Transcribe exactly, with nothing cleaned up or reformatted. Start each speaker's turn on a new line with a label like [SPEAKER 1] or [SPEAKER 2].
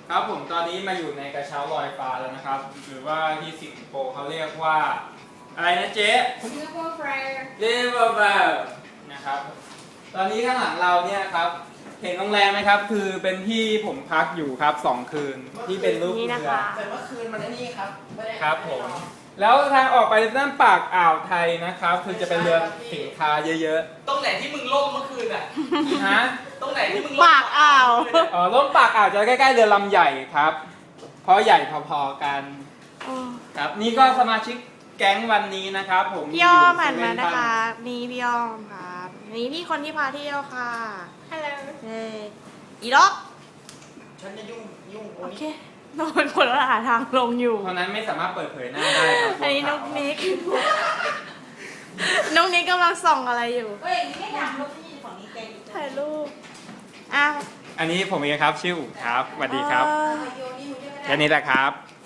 [SPEAKER 1] ครับผมตอนนี้มาอยู่ในกระเช้าลอยฟ้าแล้วนะครับหรือว่าที่สิงคโปร์เขาเรียกว่าอะไรนะเจ๊
[SPEAKER 2] River Fair
[SPEAKER 1] River Fair นะครับตอนนี้ข้างหลังเราเนี่ยครับเห็นโรงแรมไหมครับคือเป็นที่ผมพักอยู่ครับสองคืนที่เป็นรูป
[SPEAKER 3] นี่
[SPEAKER 1] เรื
[SPEAKER 3] นะ
[SPEAKER 1] อ
[SPEAKER 3] คะ
[SPEAKER 4] แต่เมื่อคืนมันไอ้นี่ครับไม่ได้
[SPEAKER 1] ครับผมแล้วทางออกไปด้านปากอ่าวไทยนะครับคือจะเป็นเรือสินค้าเยอะ
[SPEAKER 4] ตรงไหนที่มึงล่มเมื่อคืนอ่ะ
[SPEAKER 1] ๆฮะ
[SPEAKER 4] ตรงไหนที่มึงล่ม
[SPEAKER 3] ปากอ่าว
[SPEAKER 1] อ๋อร่มปากอ่าวจะใกล้ๆเรือลำใหญ่ครับเพราะใหญ่พอๆกันครับนี่ก็สมาชิกแก๊งวันนี้นะครับผม
[SPEAKER 3] พี่อ้อม
[SPEAKER 1] ยู่
[SPEAKER 3] หันมา
[SPEAKER 1] เซเว่
[SPEAKER 3] นะคะ
[SPEAKER 1] บ้
[SPEAKER 3] นี่พี่อ้อมครับนี่พี่คนที่พาเที่ยวค่ะ
[SPEAKER 2] ฮัลโหล
[SPEAKER 3] เฮ้ยอีล็อก
[SPEAKER 4] ฉันจะยุ่งยุ่ง
[SPEAKER 3] โอเคนอนคนละหาทางลงอยู่
[SPEAKER 1] เท่านั้นไม่สามารถเปิดเผยหน้าได้ครับ
[SPEAKER 3] อันนี้น้องนิก น้องนิกกำลังส่องอะไรอยู่
[SPEAKER 2] เฮ้ยนี่ไม่ดังรถที่อยู่ฝั่งนี้แกอยู่
[SPEAKER 3] ถ่ายรูปอ้าว
[SPEAKER 1] อันนี้ผมเองครับชื่ออุ๋ครับสวัสดีครับ
[SPEAKER 3] เอ่อ
[SPEAKER 2] โยนี่มึงได้ไม่ได้
[SPEAKER 1] แค่นี้แหละครับ